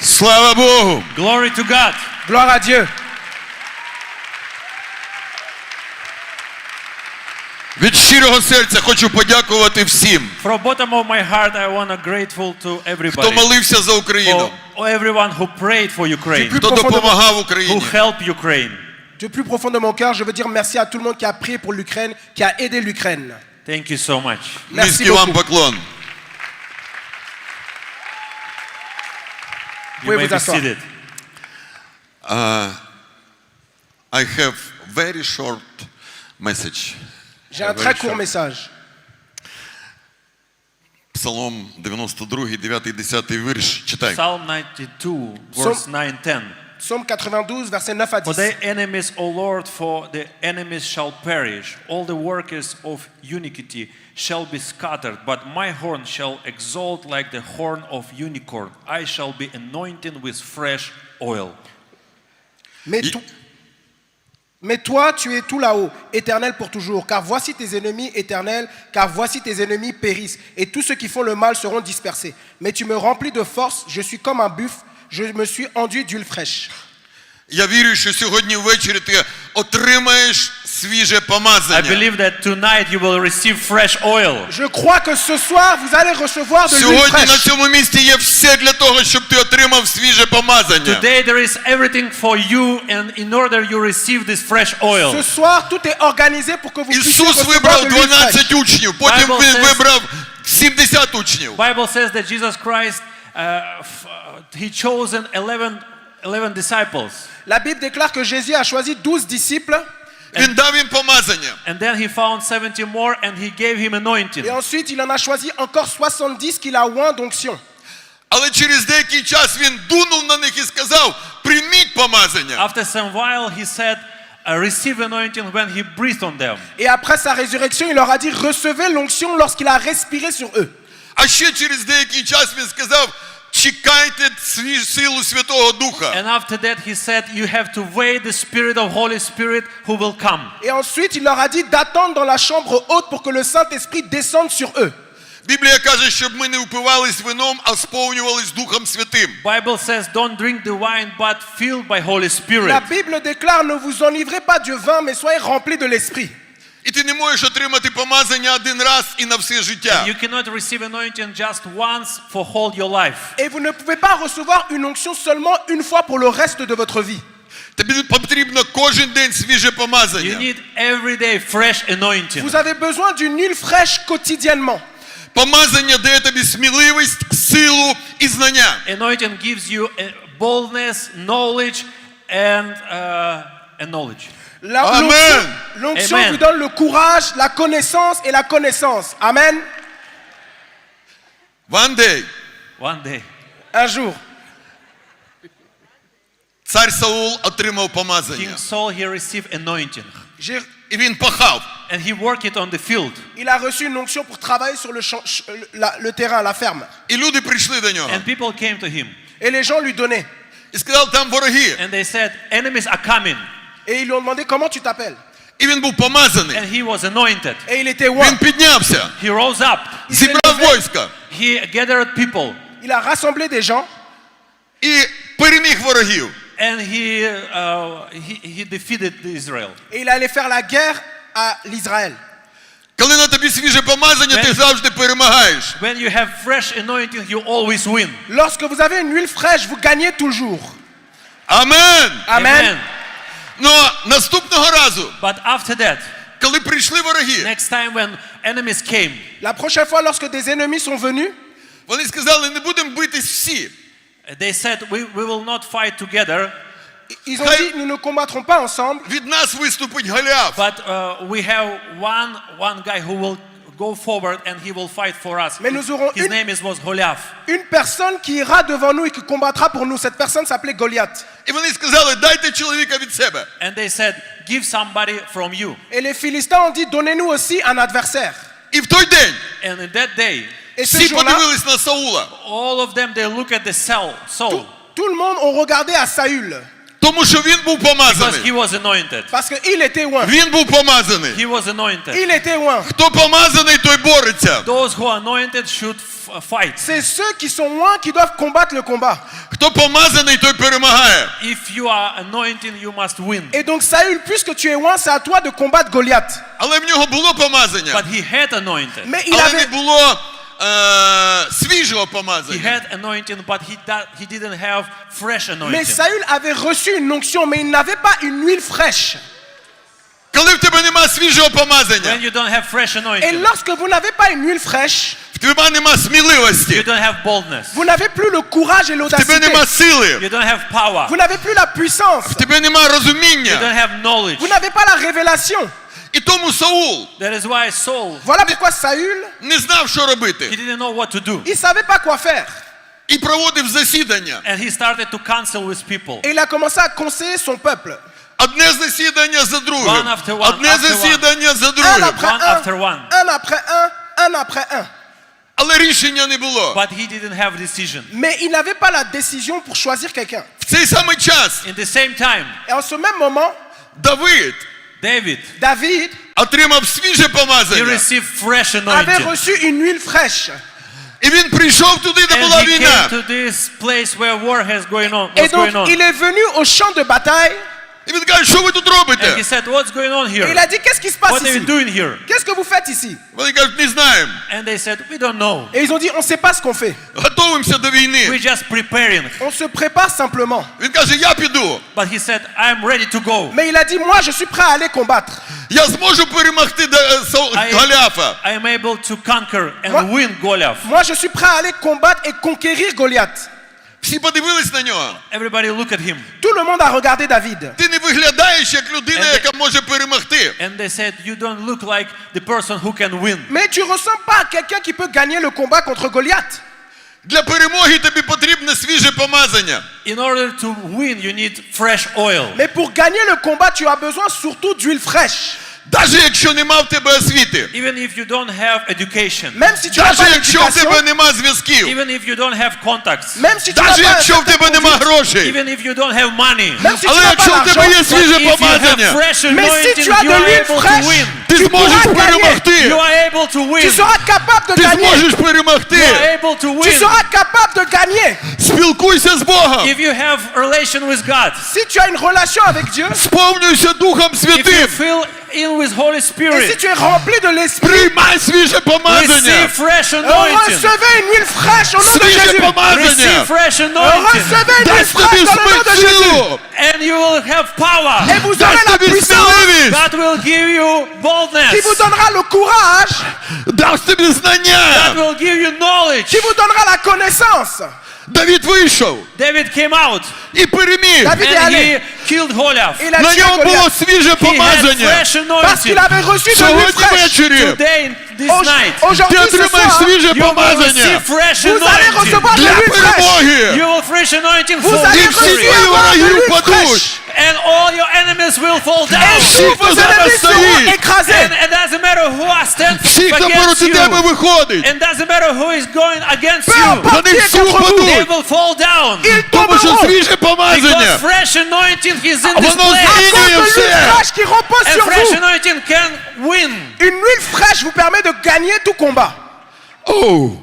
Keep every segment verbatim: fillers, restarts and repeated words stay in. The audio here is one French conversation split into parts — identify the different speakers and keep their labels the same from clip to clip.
Speaker 1: Слава Богу!
Speaker 2: Glory to God.
Speaker 3: Gloire à Dieu.
Speaker 1: Від щирого серця хочу подякувати всім,
Speaker 2: From bottom of my heart, I want to grateful to
Speaker 1: хто
Speaker 2: everybody,
Speaker 1: молився за Україну,
Speaker 2: for everyone who prayed for Ukraine,
Speaker 3: Plus
Speaker 1: хто
Speaker 3: profond de mon-
Speaker 1: допомагав
Speaker 2: who
Speaker 1: Україні.
Speaker 2: helped Ukraine.
Speaker 3: Du plus profond de mon cœur, je veux dire merci à tout le monde qui a prié pour l'Ukraine, qui a aidé l'Ukraine.
Speaker 2: Thank you so much.
Speaker 3: Merci
Speaker 1: Низький вам
Speaker 3: beaucoup.
Speaker 1: поклон.
Speaker 2: You
Speaker 3: Pouvez
Speaker 2: may
Speaker 3: vous
Speaker 2: be
Speaker 3: asseoir.
Speaker 2: seated.
Speaker 1: I have very short message.
Speaker 3: J'ai un très court message.
Speaker 1: Псалом дев'яносто другий, дев'ятий, десятий вірш. Читай.
Speaker 2: Psalm ninety-two, verse nine, ten.
Speaker 3: Psaume quatre-vingt-douze, versets neuf à
Speaker 2: For
Speaker 3: dix.
Speaker 2: their enemies, O Lord, for the enemies shall perish. All the workers of iniquity shall be scattered. But my horn shall exalt like the horn of unicorn. I shall be anointed with fresh oil.
Speaker 3: Mais,
Speaker 1: Il-
Speaker 3: to- Mais toi, tu es tout là-haut, éternel pour toujours. Car voici tes ennemis éternels, car voici tes ennemis périssent. Et tous ceux qui font le mal seront dispersés. Mais tu me remplis de force, je suis comme un buffle, je me suis enduit d'huile fraîche.
Speaker 1: Я вірю, що сьогодні ввечері ти отримаєш свіже
Speaker 2: I
Speaker 1: помазання.
Speaker 2: believe that tonight you will receive fresh oil.
Speaker 3: Je crois que ce soir, vous allez recevoir de l'huile
Speaker 1: Сьогодні на
Speaker 3: fraîche.
Speaker 1: цьому місці є все для того, щоб ти отримав свіже помазання.
Speaker 2: Today there is everything for you, and in order you receive this fresh oil.
Speaker 3: Ce soir, tout est organisé pour que vous puissiez
Speaker 1: Ісус
Speaker 3: recevoir
Speaker 1: вибрав
Speaker 3: de l'huile fraîche.
Speaker 1: дванадцять учнів, потім
Speaker 2: Bible
Speaker 1: він
Speaker 2: says-
Speaker 1: вибрав сімдесят учнів.
Speaker 2: Bible says that Jesus Christ, uh, f- uh, he chosen eleven, eleven disciples.
Speaker 3: La Bible déclare que Jésus a choisi douze disciples
Speaker 1: Він дав їм помазання.
Speaker 2: And then he found seventy more and he gave him anointing.
Speaker 3: et ensuite il en a choisi encore soixante-dix qu'il a oint d'onction.
Speaker 1: Але через деякий час він дунув на них і сказав: прийміть помазання.
Speaker 2: After some while he said, uh, receive anointing when he breathed on them.
Speaker 3: Et après sa résurrection, il leur a dit recevez l'onction lorsqu'il a respiré sur eux.
Speaker 1: А ще через деякий час він сказав: чекайте сві- силу Святого Духа.
Speaker 2: And after that he said, you have to wait the spirit of Holy Spirit who will come.
Speaker 3: Et ensuite, il leur a dit d'attendre dans la chambre haute pour que le Saint-Esprit descende sur eux.
Speaker 1: Біблія каже, щоб ми не впивались вином, а сповнювались Духом Святим.
Speaker 2: Bible says, don't drink the wine, but filled by Holy Spirit.
Speaker 3: La Bible déclare ne vous enivrez pas du vin, mais soyez remplis de l'Esprit.
Speaker 1: І ти не можеш отримати помазання один раз і на все життя.
Speaker 2: You cannot receive anointing just once for whole your life.
Speaker 3: Et vous ne pouvez pas recevoir une onction seulement une fois pour le reste de votre vie.
Speaker 1: Тобі потрібно кожен день свіже
Speaker 2: You
Speaker 1: помазання.
Speaker 2: need every day fresh anointing.
Speaker 3: Vous avez besoin d'une huile fraîche quotidiennement.
Speaker 1: Помазання дає тобі сміливість, силу і знання.
Speaker 2: Anointing gives you uh, boldness, knowledge, and uh, and knowledge.
Speaker 3: La-
Speaker 1: Amen.
Speaker 3: L'onction, l'onction
Speaker 2: Amen.
Speaker 3: vous donne le courage, la connaissance et la connaissance. Amen.
Speaker 1: One day
Speaker 2: One day,
Speaker 3: Un jour,
Speaker 1: цар Саул отримав помазання.
Speaker 2: King Saul he received anointing,
Speaker 3: j'ai-
Speaker 1: І він пахав.
Speaker 2: and he worked it on the field.
Speaker 3: il a reçu une onction pour travailler sur le, champ, ch- la- le terrain, la ferme.
Speaker 1: І люди прийшли до нього.
Speaker 2: And people came to him,
Speaker 3: Et les gens lui donnaient.
Speaker 1: І сказали, там вороги.
Speaker 2: and they said, enemies are coming,
Speaker 3: Et ils lui ont demandé comment tu t'appelles.
Speaker 1: І він був помазаний.
Speaker 2: and he was anointed.
Speaker 3: Et il était
Speaker 1: Він
Speaker 3: oint.
Speaker 1: піднявся,
Speaker 2: He rose up,
Speaker 1: зібрав війська
Speaker 2: he gathered people,
Speaker 3: Il a rassemblé des gens
Speaker 1: і переміг ворогів.
Speaker 2: and he uh, he, he defeated Israel.
Speaker 3: et il allait faire la guerre à l'Israël.
Speaker 1: Коли на тобі свіже помазання, ти завжди перемагаєш.
Speaker 2: When you have fresh anointing, you always win.
Speaker 3: Lorsque vous avez une huile fraîche, vous gagnez toujours.
Speaker 1: Амен.
Speaker 3: Amen.
Speaker 1: Но наступного разу,
Speaker 2: But after that,
Speaker 1: коли прийшли вороги,
Speaker 2: next time when enemies came,
Speaker 3: La prochaine fois, lorsque des ennemis sont venus,
Speaker 1: вони сказали, не будемо битись всі.
Speaker 2: they said, we, we will not fight together,
Speaker 3: ils ont dit nous ne combattrons pas ensemble,
Speaker 1: Від нас виступить Голіаф.
Speaker 2: but uh, we have one, one guy who will go forward and he will fight for us.
Speaker 3: Mais nous aurons
Speaker 2: His
Speaker 3: une-
Speaker 2: name is, was Goliath.
Speaker 3: une personne qui ira devant nous et qui combattra pour nous. Cette personne s'appelait Goliath.
Speaker 1: І вони сказали, дайте чоловіка від себе.
Speaker 2: And they said, give somebody from you.
Speaker 3: Et les Philistins ont dit donnez-nous aussi un adversaire.
Speaker 1: І в той день
Speaker 2: And in that day,
Speaker 3: Et ce
Speaker 1: всі
Speaker 3: jour-là,
Speaker 1: подивились на Саула.
Speaker 2: all of them, they look at the Saul. Saul.
Speaker 3: tout, tout le monde ont regardé à Saül.
Speaker 1: Тому що він був
Speaker 2: Because he
Speaker 1: помазаний.
Speaker 2: was anointed.
Speaker 3: Parce qu'il était oint.
Speaker 1: Він був помазаний.
Speaker 2: He was anointed.
Speaker 3: Il était oint.
Speaker 1: Хто помазаний, той бореться.
Speaker 2: Those who are anointed should f- fight.
Speaker 3: C'est ceux qui sont oints qui doivent combattre le combat.
Speaker 1: Хто помазаний, той перемагає.
Speaker 2: If you are anointed, you must win.
Speaker 3: Et donc Saül, puisque tu es oint, c'est à toi de combattre Goliath.
Speaker 1: Але в нього було помазання.
Speaker 2: But he had anointed.
Speaker 3: Mais il
Speaker 1: Але не
Speaker 3: avait,
Speaker 1: було е, свіжого
Speaker 2: He
Speaker 1: помазання.
Speaker 2: had anointing, but he, da- he didn't have fresh
Speaker 3: mais
Speaker 2: anointing.
Speaker 3: Saül avait reçu une onction, mais il n'avait pas une huile fraîche.
Speaker 1: Коли в тебе нема свіжого
Speaker 2: When
Speaker 1: помазання,
Speaker 2: you don't have fresh
Speaker 3: Et
Speaker 2: anointing,
Speaker 3: lorsque vous n'avez pas une huile fraîche,
Speaker 1: в тебе нема
Speaker 2: you
Speaker 1: сміливості,
Speaker 2: don't have boldness.
Speaker 3: vous n'avez plus le courage et
Speaker 1: в тебе
Speaker 3: l'audacité.
Speaker 1: нема сили,
Speaker 2: You don't have power.
Speaker 3: Vous n'avez plus la puissance.
Speaker 1: в тебе нема
Speaker 2: You
Speaker 1: розуміння.
Speaker 2: don't have knowledge.
Speaker 3: Vous n'avez pas la révélation.
Speaker 1: І тому Саул
Speaker 2: That is why Saul,
Speaker 3: Voilà pourquoi Saül,
Speaker 1: не знав, що
Speaker 2: he
Speaker 1: робити.
Speaker 2: didn't know what to do.
Speaker 3: il ne savait pas quoi faire.
Speaker 1: І проводив засідання.
Speaker 2: And he started to counsel with people.
Speaker 3: Et il a commencé à conseiller son peuple.
Speaker 1: Одне засідання за другим.
Speaker 2: One after one,
Speaker 1: Одне
Speaker 2: after one.
Speaker 1: засідання за
Speaker 3: Un
Speaker 1: другим.
Speaker 3: après
Speaker 2: One
Speaker 3: un,
Speaker 2: after one.
Speaker 3: un après un, un après un.
Speaker 1: Але рішення не було.
Speaker 2: But he didn't have decision.
Speaker 3: Mais il n'avait pas la décision pour choisir quelqu'un.
Speaker 1: В цей самий час
Speaker 2: In the same time,
Speaker 3: Et en ce même moment,
Speaker 1: Давид
Speaker 2: David,
Speaker 3: David
Speaker 1: отримав свіже
Speaker 2: he
Speaker 1: помазання.
Speaker 2: received fresh
Speaker 3: avait
Speaker 2: anointing.
Speaker 3: reçu une huile fraîche.
Speaker 1: І він прийшов туди, де була
Speaker 2: And he
Speaker 1: війна.
Speaker 2: came to this place where war has going on.
Speaker 3: Et
Speaker 2: What's
Speaker 3: donc,
Speaker 2: going on?
Speaker 3: il est venu au champ de bataille.
Speaker 1: І він каже, що ви тут
Speaker 2: And he
Speaker 1: робите?
Speaker 2: said, what's going on
Speaker 3: Et il
Speaker 2: here?
Speaker 3: a dit, qu'est-ce qui se passe
Speaker 2: What are you
Speaker 3: ici?
Speaker 2: doing here?
Speaker 3: Qu'est-ce que vous faites ici?
Speaker 1: Вони кажуть, не знаємо.
Speaker 2: And they said, we don't know.
Speaker 3: Et ils ont dit, on ne sait pas ce qu'on fait.
Speaker 1: Готуємося до
Speaker 2: We're
Speaker 1: війни.
Speaker 2: just preparing.
Speaker 3: On se prépare simplement.
Speaker 1: Він каже, я піду.
Speaker 2: But he said, I'm ready to go.
Speaker 3: Mais il a dit, moi, je suis prêt à aller combattre.
Speaker 1: Я зможу перемогти Да- е, Сау-
Speaker 2: I,
Speaker 1: Голіафа.
Speaker 2: I am able to conquer and
Speaker 3: Moi-
Speaker 2: win Goliath.
Speaker 3: Moi, je suis prêt à aller combattre et conquérir Goliath.
Speaker 1: Всі подивились на нього.
Speaker 2: Everybody look at him.
Speaker 3: Tout le monde a regardé David.
Speaker 1: Ти не виглядаєш як людина,
Speaker 2: And they-
Speaker 1: яка може перемогти.
Speaker 2: And they said, you don't look like the person who can win.
Speaker 3: Mais tu ressembles pas à quelqu'un qui peut gagner le combat contre Goliath.
Speaker 1: Для перемоги тобі потрібне свіже помазання.
Speaker 2: In order to win, you need fresh oil.
Speaker 3: Mais pour gagner le combat, tu as besoin surtout d'huile fraîche.
Speaker 1: Навіть якщо нема в тебе освіти.
Speaker 2: Even if you don't have education.
Speaker 3: Même si tu n'as
Speaker 1: Навіть
Speaker 3: pas
Speaker 1: якщо в тебе
Speaker 3: d'éducation,
Speaker 1: нема зв'язків.
Speaker 2: Even if you don't have contacts.
Speaker 3: même si tu n'as
Speaker 1: Навіть
Speaker 3: pas un
Speaker 1: якщо в
Speaker 3: certain
Speaker 1: тебе нема
Speaker 3: conduite,
Speaker 1: грошей.
Speaker 2: Even if you don't have money.
Speaker 3: même si tu
Speaker 1: Але
Speaker 3: n'as pas
Speaker 1: якщо в тебе є
Speaker 3: l'argent,
Speaker 1: свіже
Speaker 2: If you have
Speaker 1: помазання,
Speaker 2: fresh
Speaker 3: mais si
Speaker 2: anointing,
Speaker 3: tu as
Speaker 2: you
Speaker 3: de
Speaker 2: are
Speaker 3: l'huile
Speaker 2: able to
Speaker 3: fraîche,
Speaker 2: win.
Speaker 1: ти
Speaker 3: tu
Speaker 1: зможеш
Speaker 3: pourras gagner.
Speaker 1: перемогти.
Speaker 2: You are able to win.
Speaker 3: Tu seras capable de
Speaker 1: Ти
Speaker 3: gagner.
Speaker 1: зможеш перемогти.
Speaker 2: You are able to
Speaker 3: Tu
Speaker 2: win.
Speaker 3: seras capable de gagner.
Speaker 1: Спілкуйся з Богом.
Speaker 2: If you have relation with God.
Speaker 3: Si tu as une relation avec Dieu,
Speaker 1: Сповнюйся Духом
Speaker 2: If you
Speaker 1: Святим.
Speaker 2: fill in with Holy
Speaker 3: et si
Speaker 2: Spirit.
Speaker 3: tu es rempli de l'esprit,
Speaker 1: Приймай свіже помазання.
Speaker 2: Receive fresh anointing.
Speaker 3: recevez une huile fraîche au nom de
Speaker 1: Свіже
Speaker 3: Jésus.
Speaker 1: помазання.
Speaker 2: Receive fresh anointing.
Speaker 3: Recevez une huile
Speaker 1: Дасть тобі
Speaker 3: fraîche dans le nom de Jésus.
Speaker 1: силу.
Speaker 2: And you will have
Speaker 3: Et
Speaker 2: power.
Speaker 3: vous aurez
Speaker 1: Дасть
Speaker 3: la
Speaker 1: тобі
Speaker 3: puissance
Speaker 1: сміливість.
Speaker 2: God will give you boldness.
Speaker 3: qui vous donnera le courage,
Speaker 1: Дасть тобі
Speaker 2: God
Speaker 1: знання.
Speaker 2: will give you knowledge.
Speaker 3: qui vous donnera la connaissance.
Speaker 1: Давид вийшов
Speaker 2: David came out
Speaker 1: і переміг.
Speaker 3: David est
Speaker 2: and
Speaker 3: allé.
Speaker 2: he killed Goliath.
Speaker 3: Il a
Speaker 1: На
Speaker 3: tué
Speaker 1: ньому було
Speaker 3: Goliath
Speaker 1: свіже
Speaker 2: He had
Speaker 1: помазання.
Speaker 2: fresh
Speaker 3: parce qu'il
Speaker 2: anointing.
Speaker 3: avait reçu de l'huile
Speaker 1: Сьогодні
Speaker 3: fraîche.
Speaker 1: ввечері
Speaker 2: Today, this
Speaker 3: Au-
Speaker 2: night,
Speaker 1: ти
Speaker 3: Aujourd'hui, ce
Speaker 1: отримаєш
Speaker 3: soir,
Speaker 1: свіже
Speaker 2: you will
Speaker 1: помазання
Speaker 2: receive fresh
Speaker 3: vous allez
Speaker 2: anointing.
Speaker 3: recevoir de
Speaker 1: для
Speaker 3: l'huile fraîche.
Speaker 1: перемоги.
Speaker 2: You will fresh anointing
Speaker 3: Vous
Speaker 2: for
Speaker 3: allez
Speaker 1: І всі
Speaker 2: victory.
Speaker 1: твої
Speaker 3: recevoir de
Speaker 1: вороги
Speaker 3: l'huile
Speaker 1: впадуть.
Speaker 3: fraîche.
Speaker 2: And all your enemies will fall down.
Speaker 3: Et
Speaker 1: Всі,
Speaker 3: tous
Speaker 1: хто
Speaker 3: vos
Speaker 1: зараз
Speaker 3: ennemis seront
Speaker 1: стоїть,
Speaker 3: écrasés.
Speaker 2: And it doesn't matter who are standing
Speaker 1: всі, хто
Speaker 2: against
Speaker 1: проти тебе
Speaker 2: you.
Speaker 1: виходить,
Speaker 2: And doesn't matter who is going against
Speaker 3: Peu
Speaker 2: you.
Speaker 3: importe
Speaker 1: вони
Speaker 3: qui est
Speaker 1: всі
Speaker 3: contre vous,
Speaker 2: They
Speaker 1: впадуть.
Speaker 2: will fall down.
Speaker 3: ils
Speaker 1: Тому що
Speaker 3: tomberont.
Speaker 1: свіже помазання.
Speaker 2: Because fresh anointing is in this
Speaker 1: Воно
Speaker 2: place.
Speaker 3: À
Speaker 1: змінює
Speaker 3: cause de l'huile
Speaker 1: все.
Speaker 3: fraîche qui repose
Speaker 2: And
Speaker 3: sur
Speaker 2: fresh
Speaker 3: vous.
Speaker 2: anointing can win.
Speaker 3: Une huile fraîche vous permet de gagner tout combat.
Speaker 1: Оу.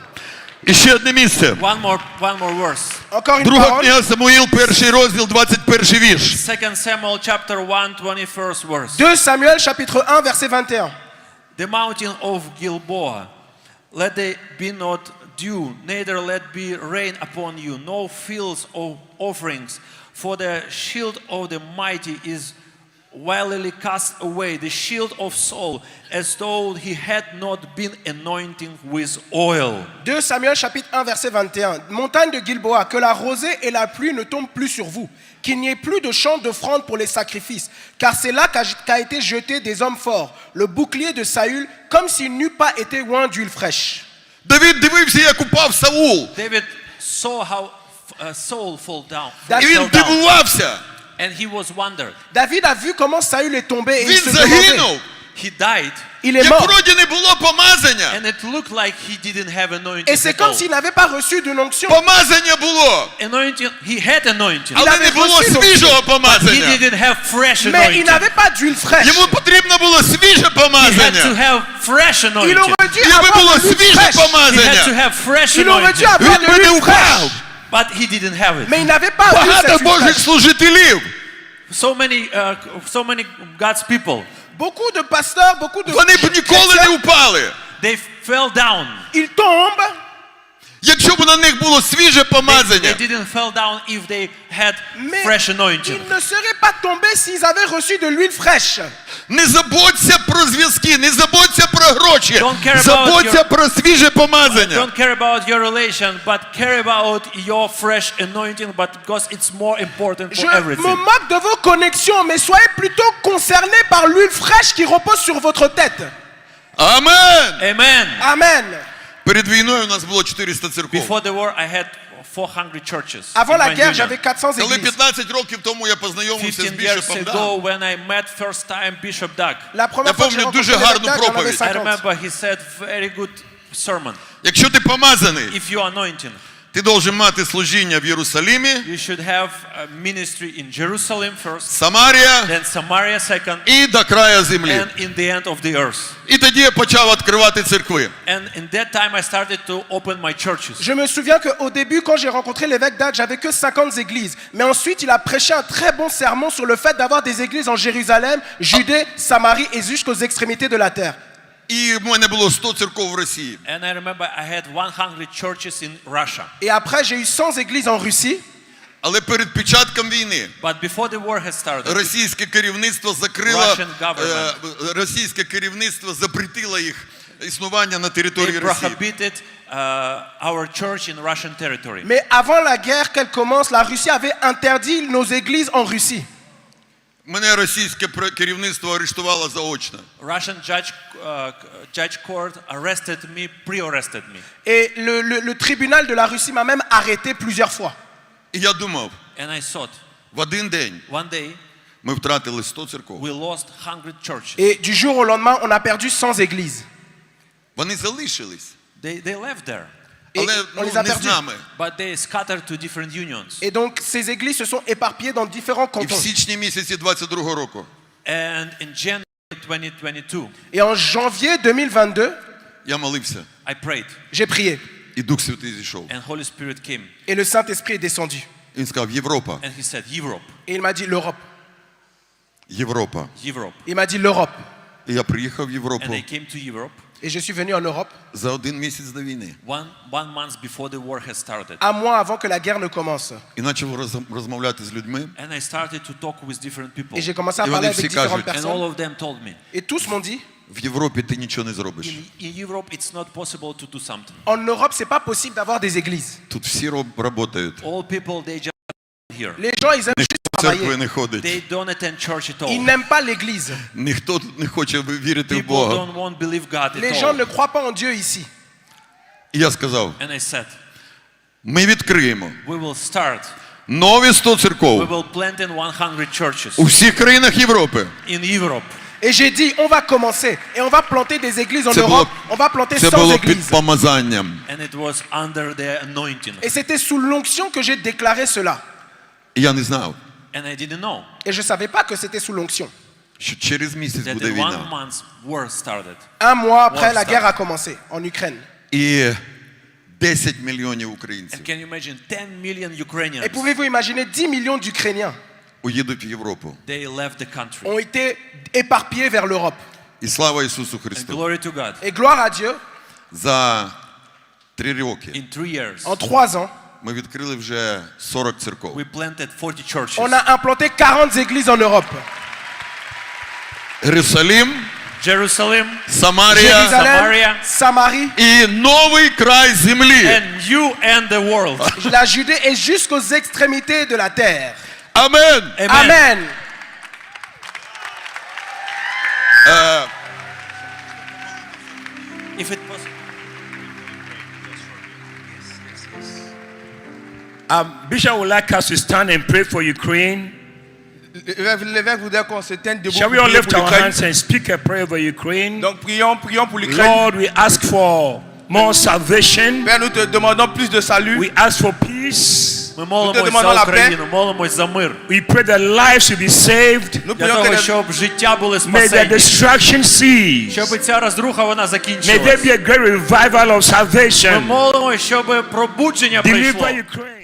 Speaker 1: І ще одне місце.
Speaker 2: One more, one more verse.
Speaker 3: Encore une
Speaker 1: Друга
Speaker 3: parole.
Speaker 1: книга Самуїл, перший розділ, двадцять перший вірш.
Speaker 2: Second Samuel chapter one, twenty-first verse.
Speaker 3: deux Samuel chapitre un verset vingt et un.
Speaker 2: The mountain of Gilboa, let there be not dew, neither let be rain upon you, no fields of offerings, for the shield of the mighty is wildly cast away, the shield of Saul, as though he had not been anointing with oil.
Speaker 3: deux Samuel chapitre un verset vingt et un. Montagne de Gilboa, que la rosée et la pluie ne tombent plus sur vous, qu'il n'y ait plus de champ d'offrande pour les sacrifices, car c'est là qu'a qu'a été jeté des hommes forts, le bouclier de Saül, comme s'il n'eût pas été oint d'huile fraîche.
Speaker 1: Давид дивився, як упав Саул.
Speaker 2: David saw how uh, Saul fall down,
Speaker 3: That-
Speaker 1: І
Speaker 2: fell
Speaker 1: він
Speaker 2: down,
Speaker 1: дивувався.
Speaker 2: and he was wondered.
Speaker 3: David a vu comment Saül est tombé et il
Speaker 1: Він
Speaker 3: se demandait.
Speaker 1: загинув.
Speaker 2: he died,
Speaker 3: Il est
Speaker 1: Як
Speaker 3: mort.
Speaker 1: вроді не було помазання.
Speaker 2: and it looked like he didn't have anointing
Speaker 3: Et c'est
Speaker 2: at
Speaker 3: comme
Speaker 2: all.
Speaker 3: s'il n'avait pas reçu d'une onction.
Speaker 1: Помазання було,
Speaker 2: Anointing, he had anointing,
Speaker 3: Il
Speaker 1: але
Speaker 3: avait
Speaker 1: не було
Speaker 3: reçu l'onction.
Speaker 1: свіжого
Speaker 2: he
Speaker 1: помазання.
Speaker 2: didn't have fresh
Speaker 3: Mais il
Speaker 2: anointing.
Speaker 3: n'avait pas d'huile fraîche.
Speaker 1: Йому потрібно було свіже
Speaker 2: He had to
Speaker 1: помазання.
Speaker 2: have fresh
Speaker 3: Il
Speaker 2: anointing.
Speaker 3: aurait dû
Speaker 1: Якби
Speaker 3: avoir
Speaker 1: було
Speaker 3: de l'huile
Speaker 1: свіже
Speaker 3: fraîche.
Speaker 2: He had to
Speaker 1: помазання,
Speaker 2: have fresh
Speaker 3: Il aurait dû
Speaker 2: anointing,
Speaker 3: avoir
Speaker 1: він
Speaker 3: de
Speaker 1: би не
Speaker 3: l'huile
Speaker 1: впав.
Speaker 3: fraîche.
Speaker 2: but he didn't have it.
Speaker 3: Mais il n'avait pas eu
Speaker 1: Багато
Speaker 3: cette huile
Speaker 1: Божих
Speaker 3: fraîche.
Speaker 1: служителів,
Speaker 2: So many, uh, so many God's people,
Speaker 3: Beaucoup de pasteurs, beaucoup de
Speaker 1: вони б ніколи не
Speaker 3: chrétiens,
Speaker 1: впали.
Speaker 2: they fell down.
Speaker 3: ils tombent,
Speaker 1: Якщо б на них було свіже
Speaker 2: They,
Speaker 1: помазання.
Speaker 2: they didn't fall down if they had
Speaker 3: mais
Speaker 2: fresh anointing.
Speaker 3: ils ne seraient pas tombés s'ils avaient reçu de l'huile fraîche.
Speaker 1: Не забудься про зв'язки, не забудься про гроші.
Speaker 2: Don't care about
Speaker 1: Забудься
Speaker 2: your-
Speaker 1: про свіже помазання.
Speaker 2: Don't care about your relation, but care about your fresh anointing, but because it's more important
Speaker 3: Je
Speaker 2: for
Speaker 3: me
Speaker 2: everything.
Speaker 3: moque de vos connexions, mais soyez plutôt concernés par l'huile fraîche qui repose sur votre tête.
Speaker 1: Амен!
Speaker 2: Amen.
Speaker 3: Amen.
Speaker 1: Перед війною у нас було чотириста церков.
Speaker 2: Before the war, I had four hundred churches.
Speaker 3: Avant
Speaker 2: in
Speaker 3: la
Speaker 2: my
Speaker 3: guerre,
Speaker 2: union.
Speaker 3: j'avais quatre cents
Speaker 1: Коли
Speaker 3: églises.
Speaker 1: п'ятнадцять років тому я познайомився з
Speaker 2: fifteen years
Speaker 1: бішопом
Speaker 2: ago,
Speaker 1: Дагом,
Speaker 2: when I met first time Bishop Doug,
Speaker 3: La première
Speaker 1: Я
Speaker 3: fois que j'ai
Speaker 1: помню
Speaker 3: rencontré
Speaker 1: дуже
Speaker 3: l'évêque
Speaker 1: гарну
Speaker 3: Doug, j'en avais
Speaker 1: проповідь.
Speaker 2: I
Speaker 3: cinquante.
Speaker 2: remember he said very good sermon.
Speaker 1: якщо ти помазаний,
Speaker 2: If you are anointing,
Speaker 1: ти должен мати служіння в Єрусалимі,
Speaker 2: you should have a ministry in Jerusalem first,
Speaker 1: Самарія
Speaker 2: then Samaria second,
Speaker 1: і до краю землі.
Speaker 2: and in the end of the earth.
Speaker 1: І тоді я почав відкривати церкви.
Speaker 2: And in that time, I started to open my churches.
Speaker 3: Je me souviens qu'au début, quand j'ai rencontré l'évêque Doug, j'avais que cinquante églises. Mais ensuite, il a prêché un très bon sermon sur le fait d'avoir des églises en Jérusalem, Judée, Samarie et jusqu'aux extrémités de la terre.
Speaker 1: І в мене було сто церков в Росії.
Speaker 2: And I remember I had one hundred churches in Russia.
Speaker 3: Et après, j'ai eu cent églises en Russie.
Speaker 1: Але перед початком війни
Speaker 2: But before the war had started,
Speaker 1: російське керівництво закрило,
Speaker 2: Russian government.
Speaker 1: е, російське керівництво запретило їх існування на території
Speaker 2: they
Speaker 1: Росії.
Speaker 2: prohibited uh, our church in Russian territory.
Speaker 3: Mais avant la guerre qu'elle commence, la Russie avait interdit nos églises en Russie.
Speaker 1: Мене російське пр- керівництво арештувало заочно.
Speaker 2: Russian judge, uh, judge court arrested me, pre-arrested me.
Speaker 3: Et le, le- le tribunal de la Russie m'a même arrêté plusieurs fois.
Speaker 1: І я думав,
Speaker 2: And I thought,
Speaker 1: в один день
Speaker 2: one day,
Speaker 1: ми втратили сто церков.
Speaker 2: we lost one hundred churches.
Speaker 3: Et du jour au lendemain, on a perdu cent églises.
Speaker 1: Вони залишились,
Speaker 2: They, they left there,
Speaker 3: Et
Speaker 1: але
Speaker 3: on
Speaker 1: ну,
Speaker 3: les a
Speaker 1: не з
Speaker 3: perdus.
Speaker 1: нами.
Speaker 2: but they scattered to different unions.
Speaker 3: Et donc, ces églises se sont éparpillées dans différents
Speaker 1: І в
Speaker 3: cantons.
Speaker 1: січні місяці двадцять другого року
Speaker 2: And in January twenty twenty-two,
Speaker 3: Et en janvier deux mille vingt-deux,
Speaker 1: я молився,
Speaker 2: I prayed,
Speaker 3: j'ai prié.
Speaker 1: і Дух Святий зійшов.
Speaker 2: and Holy Spirit came,
Speaker 3: Et le Saint-Esprit est descendu.
Speaker 1: Він сказав, Європа,
Speaker 2: and he said, Europe,
Speaker 3: Et il m'a dit l'Europe.
Speaker 1: Європа.
Speaker 2: Europe.
Speaker 3: Il m'a dit l'Europe.
Speaker 1: І я приїхав в
Speaker 2: And
Speaker 1: Європу
Speaker 2: I came to Europe
Speaker 3: Et je suis venu en Europe
Speaker 1: за один місяць до війни.
Speaker 2: one, one month before the war had started.
Speaker 3: un mois avant que la guerre ne commence.
Speaker 1: І почав роз- розмовляти з людьми.
Speaker 2: And I started to talk with different people.
Speaker 3: Et j'ai commencé à
Speaker 1: Et
Speaker 3: parler
Speaker 1: on est
Speaker 3: avec différentes
Speaker 1: psychage.
Speaker 2: And all
Speaker 3: personnes.
Speaker 2: of them told me,
Speaker 3: Et tous m'ont dit,
Speaker 1: В Європі ти нічого не зробиш.
Speaker 2: in, in Europe it's not possible to do something.
Speaker 3: en Europe, c'est pas possible d'avoir des églises.
Speaker 1: Тут всі роб- працюють.
Speaker 2: All people, they just here.
Speaker 3: Les gens, ils aiment juste
Speaker 1: В церкви
Speaker 3: travailler.
Speaker 1: не ходить.
Speaker 2: They don't attend church at
Speaker 3: Ils
Speaker 2: all.
Speaker 3: n'aiment pas l'église.
Speaker 1: Ніхто тут не хоче вірити в
Speaker 2: People
Speaker 1: Бога.
Speaker 2: don't want to believe God
Speaker 3: Les
Speaker 2: at
Speaker 3: gens
Speaker 2: all.
Speaker 3: ne croient pas en Dieu ici.
Speaker 1: І я сказав,
Speaker 2: And I said,
Speaker 1: ми відкриємо
Speaker 2: we will start.
Speaker 1: нові сто
Speaker 2: We
Speaker 1: церков
Speaker 2: will plant in one hundred churches
Speaker 1: у всіх країнах Європи.
Speaker 2: in Europe.
Speaker 3: Et j'ai dit, on va commencer. Et on va planter des églises en
Speaker 1: Це було,
Speaker 3: Europe. On va planter
Speaker 1: це
Speaker 3: cent
Speaker 1: було під
Speaker 3: églises.
Speaker 1: помазанням.
Speaker 2: And it was under the anointing.
Speaker 3: Et c'était sous l'onction que j'ai déclaré cela.
Speaker 1: І я не знав,
Speaker 2: And I didn't know
Speaker 3: Et je ne savais pas que c'était sous l'onction.
Speaker 1: що через місяць
Speaker 2: that
Speaker 1: буде
Speaker 2: the one
Speaker 1: війна.
Speaker 2: month war started.
Speaker 3: Un mois après,
Speaker 2: Wow,
Speaker 3: la
Speaker 2: stop.
Speaker 3: guerre a commencé en Ukraine.
Speaker 1: І десять мільйонів
Speaker 2: And
Speaker 1: українців
Speaker 2: can you imagine ten million Ukrainians?
Speaker 3: Et pouvez-vous imaginer dix millions d'Ukrainiens
Speaker 1: уїдуть в Європу.
Speaker 2: They left the country.
Speaker 3: ont été éparpillés vers l'Europe.
Speaker 1: І слава Ісусу
Speaker 2: And
Speaker 1: Христу.
Speaker 2: glory to God.
Speaker 3: Et gloire à Dieu,
Speaker 1: За три роки
Speaker 2: In three years,
Speaker 3: en trois ans,
Speaker 1: ми відкрили вже сорок церков.
Speaker 2: we planted forty churches.
Speaker 3: on a implanté quarante églises en Europe.
Speaker 1: Єрусалим,
Speaker 2: Jerusalem,
Speaker 1: Самарія
Speaker 3: Jérusalem,
Speaker 2: Samaria.
Speaker 3: Samarie,
Speaker 1: і новий край землі.
Speaker 2: and you and the world.
Speaker 3: la Judée et jusqu'aux extrémités de la terre.
Speaker 1: Амен.
Speaker 2: Amen.
Speaker 3: Amen.
Speaker 2: If it was
Speaker 4: Um, Bishop would like us to stand and pray for Ukraine. L'évêque voudrait qu'on se tienne debout
Speaker 5: Shall we
Speaker 4: pour
Speaker 5: all
Speaker 4: prier
Speaker 5: lift
Speaker 4: pour
Speaker 5: our
Speaker 4: l'Ukraine.
Speaker 5: hands and speak a prayer over Ukraine?
Speaker 4: Donc prions, prions pour l'Ukraine.
Speaker 5: Lord, we ask for more salvation.
Speaker 4: Père, nous te demandons plus de salut.
Speaker 5: We ask for peace.
Speaker 2: Ми молимось
Speaker 4: demandons
Speaker 2: за
Speaker 4: la
Speaker 2: Україну, молимось за мир.
Speaker 5: We pray that lives will be saved.
Speaker 4: Nous
Speaker 2: Для
Speaker 4: prions que
Speaker 2: того,
Speaker 4: les-
Speaker 2: щоб життя були
Speaker 5: May the
Speaker 2: спасені.
Speaker 5: destruction cease.
Speaker 2: Щоб ця розруха вона
Speaker 5: May there
Speaker 2: закінчилась.
Speaker 5: be a great revival of
Speaker 2: Ми
Speaker 5: salvation.
Speaker 2: молимось, щоб пробудження
Speaker 5: Deliver
Speaker 2: прийшло.
Speaker 5: Ukraine.